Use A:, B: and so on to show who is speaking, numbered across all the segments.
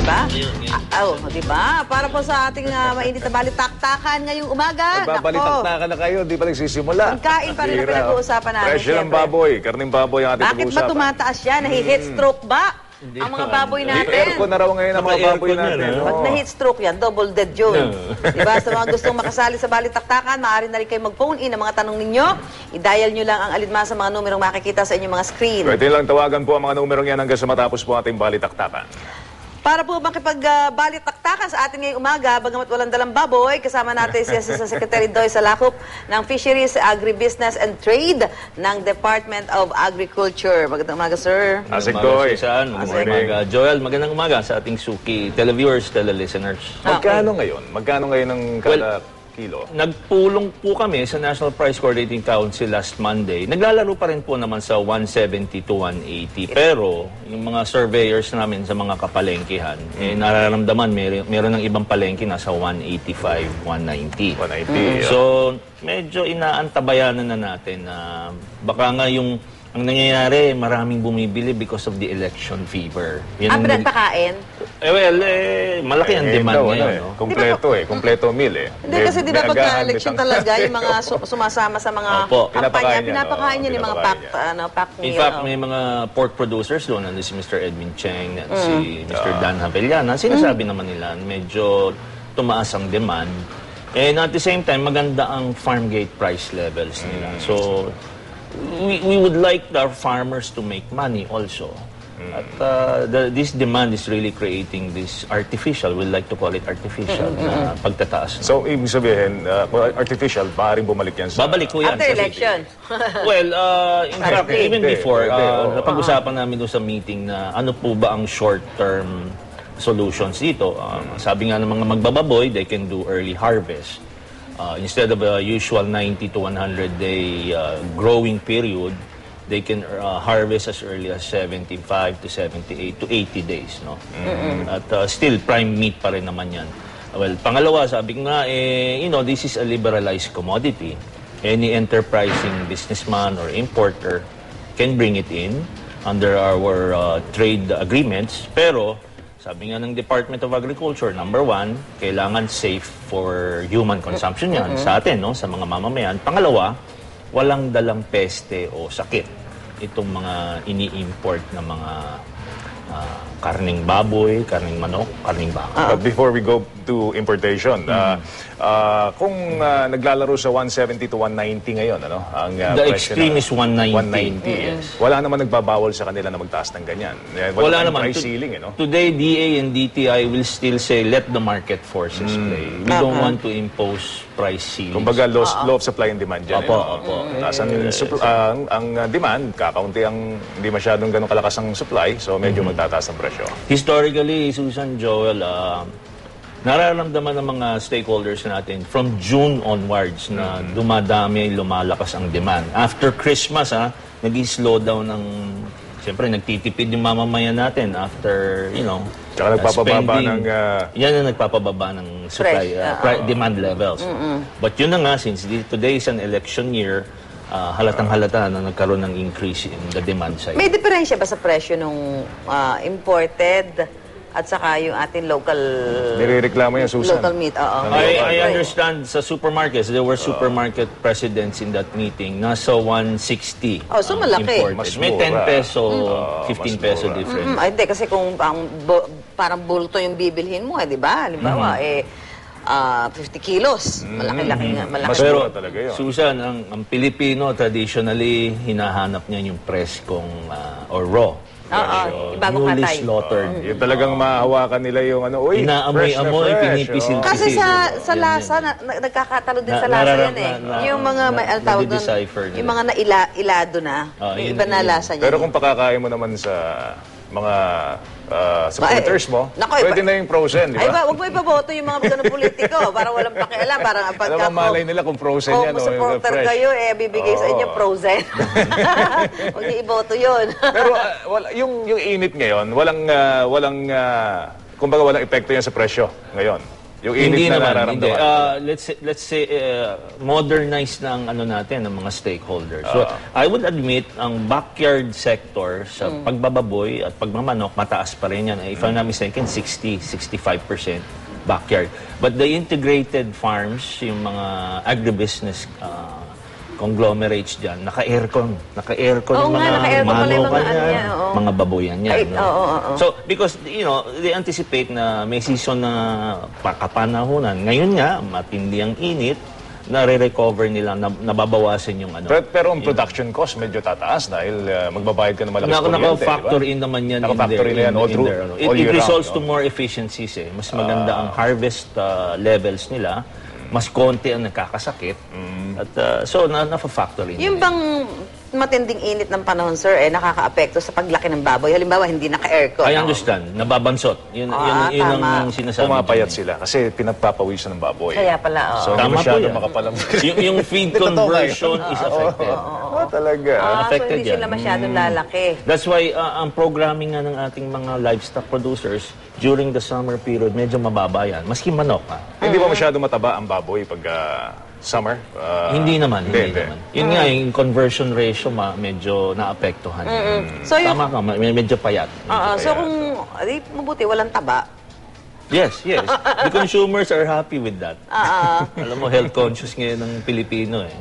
A: ba? Di ba? Para po sa ating mainit na balitaktakan ngayong umaga.
B: Nagbabalitaktakan na kayo, di pa nagsisimula.
A: Pagkain pa rin na pinag-uusapan natin.
B: Presyo ng baboy, karning baboy ang ating
A: pag-uusapan. Bakit ba tumataas yan? Nahi-heat stroke ba? Ang mga baboy natin.
B: Aircon na raw ngayon ang mga baboy natin.
A: Pag na-heat stroke yan, double dead yun. Diba? Sa mga gustong makasali sa balitaktakan, maaari na rin kayo mag-phone in ang mga tanong ninyo. I-dial nyo lang ang alinmasa mga numerong makikita sa inyong mga screen.
B: Pwede lang tawagan po ang mga numerong yan hanggang sa matapos po ating balitaktakan.
A: Para po makipag-balitaktakan sa ating ngayong umaga, bagamat walang dalang baboy, kasama natin si Assistant Secretary Doy Salakop ng Fisheries, Agribusiness and Trade ng Department of Agriculture. Magandang umaga, sir.
B: Asik Doy.
C: Magandang umaga, Joel. Magandang umaga sa ating Suki televiewers, tele-listeners.
B: Magkano ngayon? Magkano ngayon ang kada kilo?
C: Nagpulong po kami sa National Price Coordinating Council last Monday. Naglalaro pa rin po naman sa 170 to 180. Pero yung mga surveyors namin sa mga kapalengkehan, nararamdaman meron ng ibang palengke nasa 185, 190.
B: 190.
C: So, medyo inaantabayanan na natin na baka nga yung ang nangyayari, maraming bumibili because of the election fever.
A: Pinagpakain?
C: Malaki ang demand ngayon. No?
B: Kompleto meal eh.
A: Hindi kasi di ba pagka-election talaga, yung mga sumasama sa mga kampanya, pinapakain niya yung mga pack meal.
C: In fact, may mga pork producers doon, si Mr. Edwin Cheng at si Mr. Dan Havellana, sinasabi naman nila, medyo tumaas ang demand. And at the same time, maganda ang farm gate price levels nila. So, we would like our farmers to make money also. At this demand is really creating this artificial, we like to call it artificial, na pagtataas.
B: So, ibig sabihin, artificial, maaaring bumalik yan sa...
C: Babalik ko yan.
A: After election?
C: Well, in fact, even before, napag-usapan namin doon sa meeting na ano po ba ang short-term solutions dito. Sabi nga ng mga magbababoy, they can do early harvest. Instead of a usual 90 to 100 day growing period, they can harvest as early as 75 to 78 to 80 days. No? At still, prime meat pa rin naman yan. Well, pangalawa, sabi ko nga, this is a liberalized commodity. Any enterprising businessman or importer can bring it in under our trade agreements. Pero, sabi nga ng Department of Agriculture, number one, kailangan safe for human consumption yan sa atin, no? Sa mga mamamayan. Pangalawa, walang dalang peste o sakit itong mga ini-import na mga karning baboy, karning manok, karning baka.
B: But before we go to importation, kung naglalaro sa 170 to 190 ngayon, ano?
C: The extreme is 190.
B: 190, yes. Wala naman nagbabawal sa kanila na magtaas ng ganyan. Wala naman price ceiling, no?
C: Today, DA and DTI will still say, let the market forces play. We don't want to impose price ceilings.
B: Kumbaga, law of supply and demand dyan.
C: Opo.
B: Taas ang demand, kakaunti ang hindi masyadong ganun kalakas ang supply, so medyo magtataas ang presyo.
C: Historically, Susan, Joel, nararamdaman ng mga stakeholders natin from June onwards na dumadami, lumalakas ang demand. After Christmas, nag-slow down ng, siyempre, nagtitipid yung mamamayan natin after,
B: Tsaka nagpapababa ng...
C: Yan ang nagpapababa ng supply, demand levels. But yun na nga, since today is an election year, halatang-halata na nagkaroon ng increase in the demand side.
A: May diferensya ba sa presyo nung imported at saka yung ating local...
B: Nirereklamo yan, Susan.
A: Local meat,
C: I understand sa supermarkets, there were supermarket presidents in that meeting. Nasa 160
A: so malaki.
C: May 10 peso, 15 peso difference.
A: Hindi, kasi kung parang bulto yung bibilhin mo, di ba? Halimbawa, 50 kilos. Malaki-laki nga.
C: Pero,
B: talaga yun.
C: Susan, ang Pilipino, traditionally, hinahanap niya yung preskong or raw.
A: Bagong
C: newly
A: katay.
C: slaughtered.
B: Yung talagang mahahawakan nila yung
C: inaamoy-amoy, pinipisil.
A: Kasi sa lasa, nagkakatalo din sa lasa yan eh. Yung mga, ano tawag doon, yung mga nailado na. Yung iba na lasa niya.
B: Pero kung pakakain mo naman sa mga supporters mo, pwede na yung frozen, di ba?
A: Ay ba, huwag mo ipaboto yung mga ganun politiko. Parang walang pakialam. Parang pagka...
B: Alam mo, malay nila kung frozen yan o
A: supporter
B: fresh.
A: kayo, bibigay sa inyo frozen. Huwag niyo iboto yun.
B: Pero yung init ngayon, kumbaga walang epekto yan sa presyo ngayon. Yung init
C: Hindi
B: na
C: naman,
B: nararamdaman.
C: hindi. Let's say modernize na ang ano natin, ng mga stakeholders. So, I would admit, ang backyard sector sa pagbababoy at pagmamanok, mataas pa rin yan. If I'm not mistaken, 60-65% backyard. But the integrated farms, yung mga agribusiness conglomerates dyan, naka-aircon. Naka-aircon
A: Oo
C: yung
A: nga,
C: mga
A: naka-aircon pala yung
C: manukan
A: mga ano
C: yan,
A: yan, oo.
C: mga baboyan yan.
A: Ay,
C: no?
A: oo.
C: So, because, they anticipate na may season na kapanahunan. Ngayon nga, matindi ang init, nare-recover nila, nababawasan yung ano.
B: Pero ang production cost medyo tataas dahil magbabayad ka ng malakas kuryente,
C: Naka-factor in naman yan
B: Naka-factor in yan all through, all
C: It
B: year
C: results
B: round,
C: to more efficiencies eh. Mas maganda ang harvest levels nila. Mas konti ang nakakasakit. At so, na-factor in.
A: Yung bang matinding init ng panahon, sir, nakaka-apekto sa paglaki ng baboy? Halimbawa, hindi naka-aircon.
C: I understand. Nababansot. Yun
A: tama.
C: ang sinasabi.
B: Pumapayat
C: dyan,
B: sila kasi pinagpapawisan ng baboy.
A: Kaya pala,
B: So, hindi
C: Tama po
B: masyado
C: yan.
B: makapalam.
C: yung feed
B: Totoo
C: conversion is affected.
B: Talaga.
A: so
C: affected
A: hindi sila
C: yan.
A: masyadong lalaki.
C: That's why ang programming nga ng ating mga livestock producers during the summer period, medyo mababa yan. Maski manok.
B: Hindi ba masyado mataba ang baboy pag summer?
C: Hindi naman.
B: Hindi.
C: Yun nga, yung conversion ratio medyo naapektuhan.
A: So, yung,
C: Tama ka, medyo payat.
A: so kung, mabuti, walang taba.
C: Yes. The consumers are happy with that. Alam mo, health conscious ngayon ng Pilipino eh.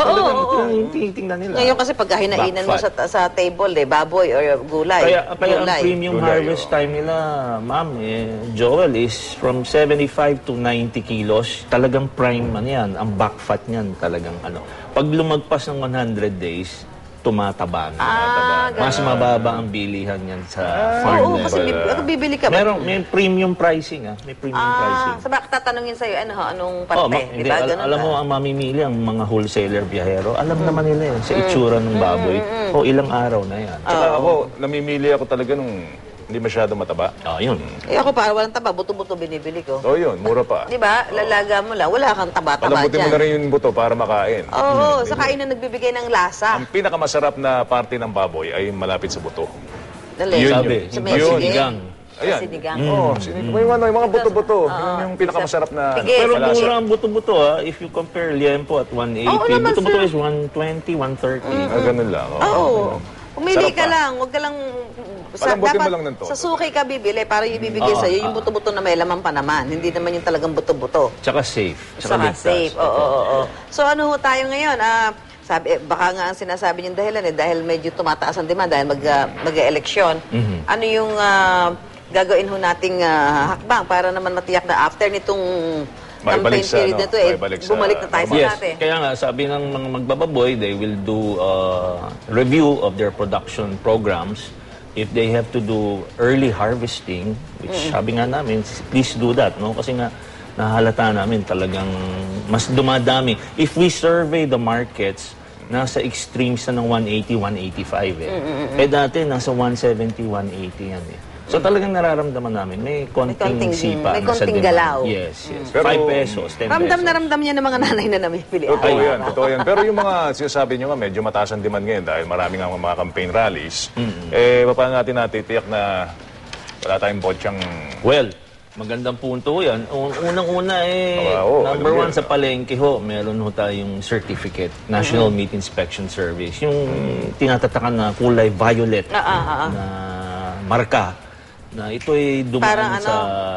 A: Oo.
C: Tinitingnan nila.
A: Ngayon kasi pag hinainan mo sa table, baboy or gulay.
C: Kaya ang premium
B: Gulay,
C: harvest time nila, ma'am, Joel, is from 75 to 90 kilos. Talagang prime man yan. Ang back fat niyan talagang ano. Pag lumagpas ng 100 days, tumataba na. Mas mababa ang bilihan yan sa farm.
A: Oo, kasi bibili ka.
C: May premium pricing. May premium pricing.
A: Sa bakit tatanungin sa'yo, anong
C: Oh,
A: parte?
C: hindi,
A: Diba? Ganun
C: alam
A: ba?
C: mo, ang mamimili, ang mga wholesaler biyahero, alam naman nila sa itsura ng baboy. O ilang araw na yan.
B: Tsaka ako, namimili ako talaga nung hindi masyado mataba.
C: Yun.
A: Ako para walang taba, buto-buto binibili ko.
B: Yun, mura pa.
A: Di ba? Lalaga mo lang, wala kang taba-taba
B: Palambutin mo
A: dyan.
B: na rin yung buto para makain.
A: Oo, sa kain na nagbibigay ng lasa.
B: Ang pinakamasarap na parte ng baboy ay malapit sa buto.
A: Dali.
B: Yun,
C: Sabi,
A: Sa
C: yung
A: may sige.
C: sinigang.
B: Ayan.
A: Sinigang.
B: May mga buto-buto. Yun yung pinakamasarap na
A: Sige.
C: Pero
B: malasa.
C: mura ang buto-buto if you compare liempo at 180.
A: Oo naman,
C: Buto-buto
A: sir.
C: is 120, 130.
B: Ganun lang.
A: Oo. Pumili
B: Sarap
A: ka
B: pa.
A: lang, huwag ka lang...
B: Palambutin mo lang ng todo.
A: Sa suki ka bibili para yung ibibigay sa'yo, yung buto-buto na may laman pa naman. Hindi naman yung talagang buto-buto.
C: Tsaka safe. Tsaka
A: Saka
C: ligtas.
A: safe. Oo. So ano ho tayo ngayon? Baka nga ang sinasabi niyong dahilan dahil medyo tumataas ang demand dahil mag-eleksyon. Ano yung gagawin ho nating hakbang para naman matiyak na after nitong campaign
B: Maibalik sa,
A: period na ito,
B: maibalik sa
A: bumalik na tayo sa
C: Yes,
A: dati.
C: kaya nga sabi ng mga magbababoy, they will do review of their production programs. If they have to do early harvesting, which sabi nga namin, please do that, no? Kasi nga nahalata namin talagang mas dumadami. If we survey the markets, nasa extremes na ng 180, 185 dati nasa 170, 180 yan So talagang nararamdaman namin, may konting sipa.
A: may
C: na sa
A: konting
C: demand.
A: galaw.
C: Yes.
B: Pero-
C: 5 pesos, 10
A: Ramdam
C: pesos.
A: na ramdam niya ng mga nanay na namimili.
B: Totoo yan, totoo yan. Pero yung mga sinasabi nyo nga, medyo mataas ang demand ngayon dahil marami nga mga campaign rallies. Paano natin natitiyak na wala tayong botsyang...
C: Well, magandang punto yan. Unang-una number one sa palengke ho, meron ho tayong certificate, National Meat Inspection Service. Yung tinatatakan na kulay violet na marka na ito ay dumaan sa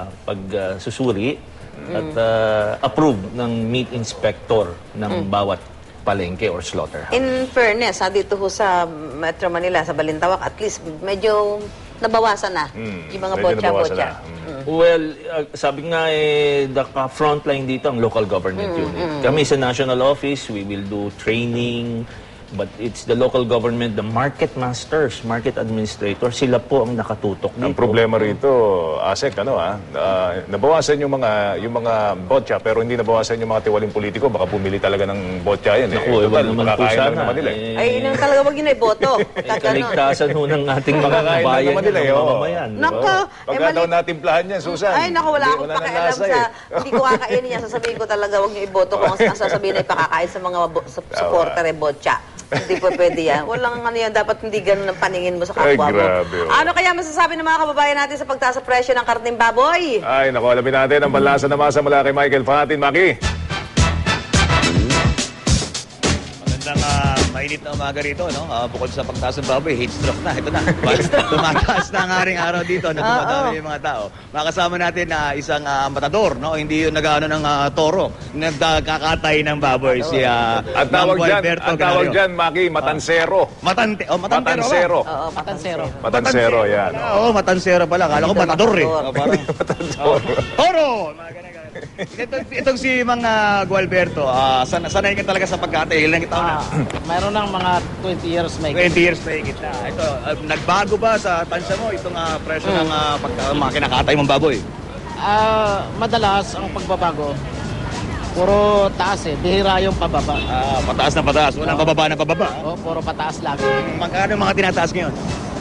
C: pagsusuri at approved ng meat inspector ng bawat palengke or slaughterhouse.
A: In fairness, dito ho sa Metro Manila, sa Balintawak, at least medyo nabawasan na yung mga
B: medyo nabawasan
A: botya-botya.
B: na.
C: Well, sabi nga the frontline dito ang local government unit. Kami sa national office, we will do training, but it's the local government, the market masters, market administrators, sila po ang nakatutok dito.
B: Ang problema rito, Asek, nabawasan yung mga botya pero hindi nabawasan yung mga tiwaling politiko. Baka pumili talaga ng botya yan.
C: Naku, iba naman po
B: makakain lang
C: sana.
B: naman nila.
A: Ay, yun ang talaga wag yun ay boto.
C: Kaligtasan ho ng ating mga
B: Makakain lang
C: bayan
B: naman nila,
C: ng
B: oo.
C: mamamayan. di ba?
A: Nako,
B: Pagka daw natimplahan yan, Susan.
A: Ay, naku, wala
B: hindi-
A: akong
B: nang
A: pakialam
B: lasa
A: sa...
B: eh.
A: Hindi ko kakainin yan. Sasabihin ko talaga, wag niyo iboto kung ang sasabihin ay pakakain sa mga supporter ay botya. Hindi po pwede yan. Walang ano yan, dapat hindi ganun ang paningin mo sa
B: Ay,
A: kapwa mo.
B: grabe, oh.
A: Ano kaya masasabi ng mga kababayan natin sa pagtaas sa presyo ng karneng baboy?
B: Ay, naku, alamin natin ang banlasa na masa mula kay Michael Fatin. Maki.
D: Magandang mainit na umaga rito, no? Bukod sa pagtaas ng baboy, heat stroke na. Ito na. Tumataas na ang aring araw dito na dumadami yung mga tao. Makasama natin na isang matador, no? Hindi yung nag-ano ng toro. Nagkakatay ng baboy. Si
B: Ang tawag dyan, Maki, matansero.
D: Matansero.
A: Oo, matansero.
B: Matansero, yan.
D: Oo, matansero pala. Kala ko matador eh. Parang toro! Mga ganun. Itong si mga Gualberto, sanay ka talaga sa pagkatay. Ilang taon na?
E: Mayroon ng mga 20 years may
D: 20 years na higit na. Ito, nagbago ba sa tansya mo itong presyo ng mga kinakatay mong baboy?
E: Madalas ang pagbabago, puro taas eh. Bihira yung pababa.
D: Pataas na pataas. Walang pababa na pababa.
E: Puro pataas lagi.
D: Magkano mga tinataas ngayon?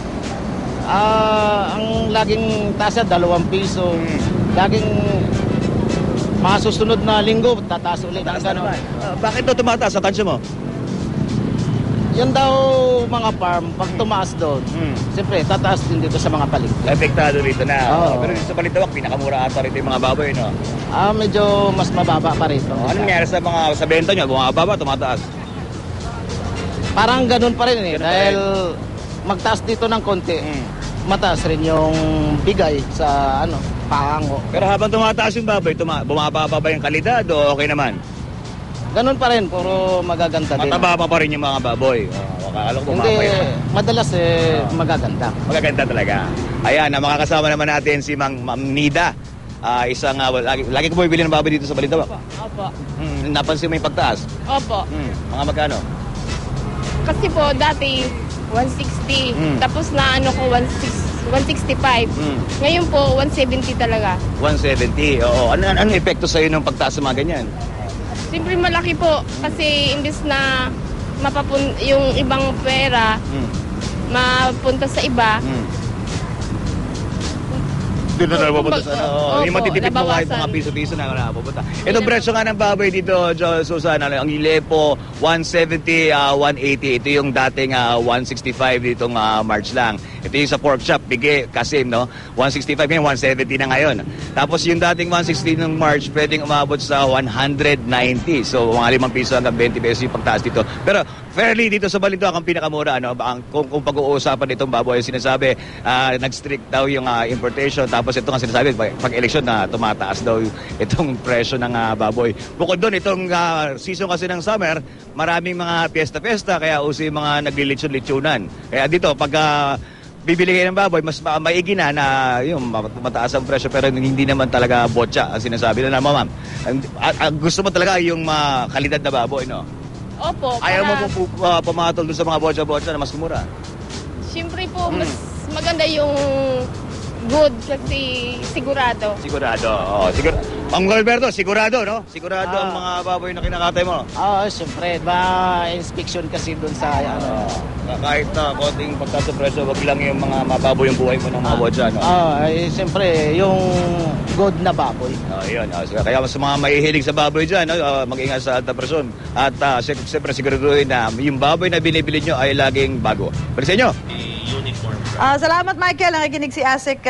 E: Ang laging taas na 2 piso. Laging mga susunod na linggo, tataas ulit. Ang gano'n.
D: Bakit daw tumataas sa tansya mo?
E: Yan daw mga farm, pag tumaas doon, siyempre tataas din dito sa mga palig.
D: Epektado rito na.
E: Oo.
D: Pero dito sa Balintawak, pinakamura ata rito yung mga baboy, no?
E: Medyo mas mababa pa rito.
D: Anong nangyari sa benta nyo? Bumababa, tumataas?
E: Parang ganun pa rin eh. Dahil magtaas dito ng konti, mataas rin yung bigay sa pahango.
D: Pero habang tumataas yung baboy, bumababa ba yung kalidad o okay naman?
E: Ganun pa rin, puro magaganda din.
D: Mataba pa rin yung mga baboy. Akala ko
E: Hindi,
D: bumaba yun.
E: madalas magaganda.
D: Magaganda talaga. Ayan, makakasama naman natin si Ma'am Nida. Isang, lagi ko bumibili ng baboy dito sa Balintawak.
F: Opo.
D: Napansin mo yung pagtaas?
F: Opo.
D: Mga magkano?
F: Kasi po, dati, 160. Tapos na ko, 165. Ngayon po, 170 talaga.
D: 170, oo. Anong epekto sa'yo ng pagtaas sa mga ganyan?
F: Siyempre malaki po. Kasi imbis na yung ibang pera, mapunta sa iba,
D: Doon na napupunta sa
F: Opo,
D: yung matitipid mo kahit
F: nabawasan.
D: mga piso-piso na napupunta. Itong presyo nga ng baboy dito, Susan, ang Ilepo, 170, 180. Ito yung dating 165 ditong March lang. Ito yung sa pork chop, bigay, Kasim, no? 165 ngayon, 170 na ngayon. Tapos yung dating 160 ng March, pwedeng umabot sa 190. So, mga 5 piso hanggang 20 pesos yung pagtaas dito. Pero, fairly dito sa Balintawak ang pinakamura, ano? Kung pag-uusapan itong baboy, sinasabi, nag-strict daw yung importation. Tapos ito nga sinasabi, pag eleksyon na tumataas daw itong presyo ng baboy. Bukod doon, itong season kasi ng summer, maraming mga piyesta-piyesta, kaya uso yung mga naglilitsyon-litsunan. Kaya dito, pag bibili kayo ng baboy, mas maigi na yung mataas ang presyo, pero hindi naman talaga botya ang sinasabi na ma'am. Gusto mo talaga yung kalidad na baboy, no?
F: opo.
D: Ayaw mo pumatol doon sa mga botya-botya na mas mura?
F: Siyempre po, mas maganda yung good kasi sigurado.
D: Sigurado, oo. Ang Alberto, sigurado, no? Sigurado ang mga baboy na kinakatay mo.
E: Siyempre, inspection kasi doon sa
D: Kahit na konting pagtaas sa presyo, wag lang yung mga mababoy yung buhay mo ng mga botya, no?
E: Siyempre, yung good na baboy.
D: Yun. Kaya mas mga mahihilig sa baboy dyan, no? Mag-ingat sa alta presyon. At siyempre, siguraduhin na yung baboy na binibili nyo ay laging bago. Balik sa inyo.
C: Uniform.
A: Salamat, Michael. Nakikinig si Asik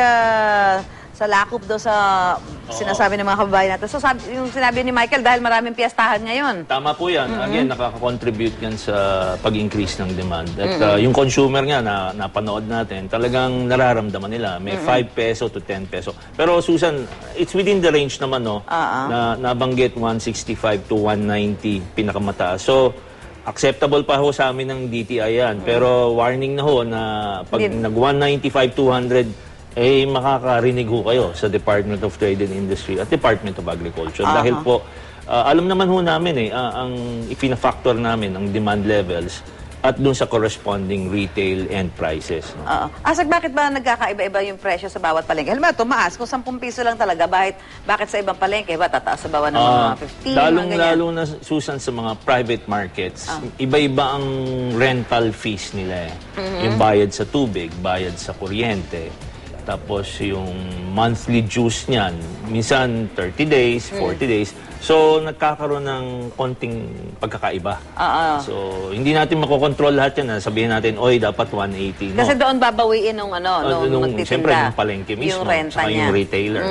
A: sa lakop do sa sinasabi ng mga kababayan natin. So, yung sinabi ni Michael, dahil maraming piyestahan ngayon.
C: Tama po yan. Again, nakaka-contribute yan sa pag-increase ng demand. At yung consumer nga na napanood natin, talagang nararamdaman nila. May 5 peso to 10 peso. Pero Susan, it's within the range naman, no? Na nabanggit 165 to 190 pinakamataas. So, acceptable pa ho sa amin ng DTI yan. Pero warning na ho na pag nag 195, 200, makakarinig ho kayo sa Department of Trade and Industry at Department of Agriculture. Dahil po, alam naman ho namin ang ipina-factor namin ang demand levels at dun sa corresponding retail end prices. No?
A: Asik, bakit ba nagkakaiba-iba yung presyo sa bawat palengke? Halimbawa, tumaas. Kung 10 piso lang talaga, bakit sa ibang palengke ba tataas sa bawat ng mga 15?
C: Lalo na, Susan, sa mga private markets, iba-iba ang rental fees nila. Yung bayad sa tubig, bayad sa kuryente. Tapos yung monthly juice niyan, minsan 30 days, 40 days. So, nagkakaroon ng konting pagkakaiba. So, hindi natin makokontrol lahat yan. Sabihin natin, oy, dapat 180. No?
A: Kasi doon babawiin nung magtitinda.
C: Siyempre, nung palengke mismo.
A: Yung renta
C: saka
A: niya.
C: yung retailer.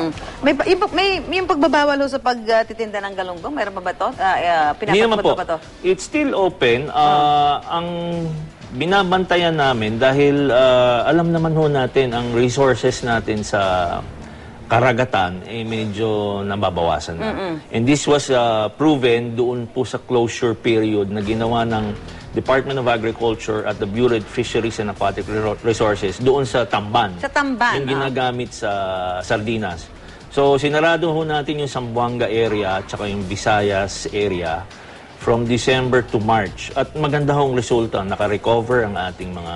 A: May yung pagbabawal ho sa pagtitinda ng galunggong, mayroon pa ba ito?
C: Hindi naman po.
A: Pa to?
C: It's still open. Ang binabantayan namin dahil alam naman ho natin ang resources natin sa karagatan medyo nababawasan na. And this was proven doon po sa closure period na ginawa ng Department of Agriculture at the Bureau of Fisheries and Aquatic Resources doon sa Tamban.
A: Sa Tamban,
C: yung ginagamit sa sardinas. So sinarado ho natin yung Zamboanga area at saka yung Visayas area from December to March. At maganda hong resulta, naka-recover ang ating mga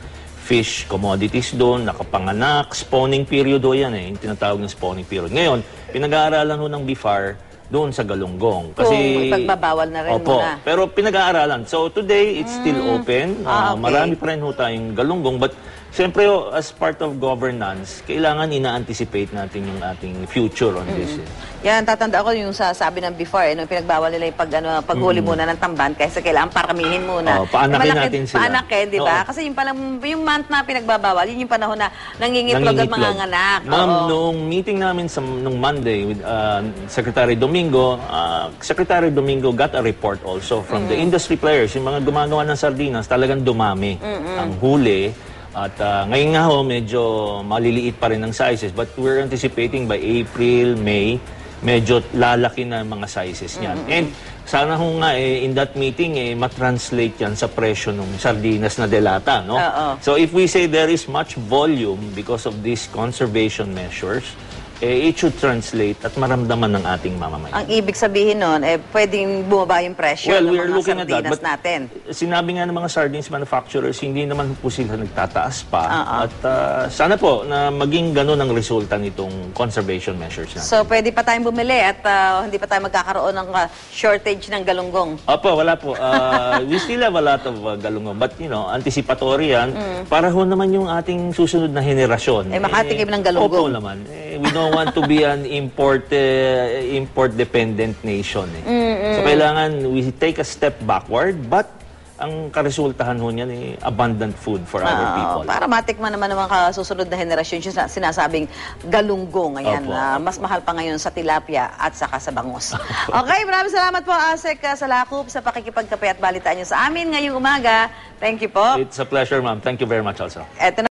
C: fish commodities doon, nakapanganak, spawning period ho yan yung tinatawag ng spawning period. Ngayon, pinag-aaralan ho ng BIFAR doon sa galunggong.
A: Kung ipagbabawal na rin muna.
C: Pero pinag-aaralan. So today, it's still open.
A: Okay.
C: Marami pa rin ho tayong galunggong. But siyempre, as part of governance, kailangan ina-anticipate natin yung ating future on this.
A: Yan, tatanda ko yung sabi ng before, pinagbawal nila yung paghuli muna ng tamban kaysa kailangan paramihin muna.
C: Paanakin natin sila.
A: Paanakin, di ba? Kasi yung month na pinagbabawal, yun yung panahon na nangingitlog at mga nganak.
C: Ma'am, noong meeting namin nung Monday with Secretary Domingo, Secretary Domingo got a report also from the industry players. Yung mga gumagawa ng sardinas, talagang dumami ang huli. At ngayon nga ho, medyo maliliit pa rin ang sizes. But we're anticipating by April, May, medyo lalaki na mga sizes niyan. And sana ho nga in that meeting matranslate yan sa presyo ng sardinas na delata, no? So if we say there is much volume because of these conservation measures, it should translate at maramdaman ng ating mamamayan.
A: Ang ibig sabihin nun, pwedeng bumaba yung presyo ng mga sardinas natin.
C: Sinabi nga ng mga sardines manufacturers, hindi naman po sila nagtataas pa. At sana po na maging ganun ang resulta nitong conservation measures natin.
A: So, pwede pa tayong bumili at hindi pa tayo magkakaroon ng shortage ng galunggong.
C: Opo, wala po. We still have a lot of galunggong. But, anticipatory yan. Para ho naman yung ating susunod na henerasyon.
A: Makatikim ng galunggong.
C: Opo naman. We don't want to be an import-dependent nation. So, kailangan we take a step backward, but ang karesultahan ho niyan abundant food for our people.
A: Para matikman naman ng mga susunod na henerasyon yung sinasabing galunggong. Ayan, mas mahal pa ngayon sa tilapia at saka sa bangus. Okay, maraming salamat po, Asek Salakop, sa pakikipagkape at balitaan niyo sa amin ngayong umaga. Thank you po.
C: It's a pleasure, ma'am. Thank you very much also.
A: Eto na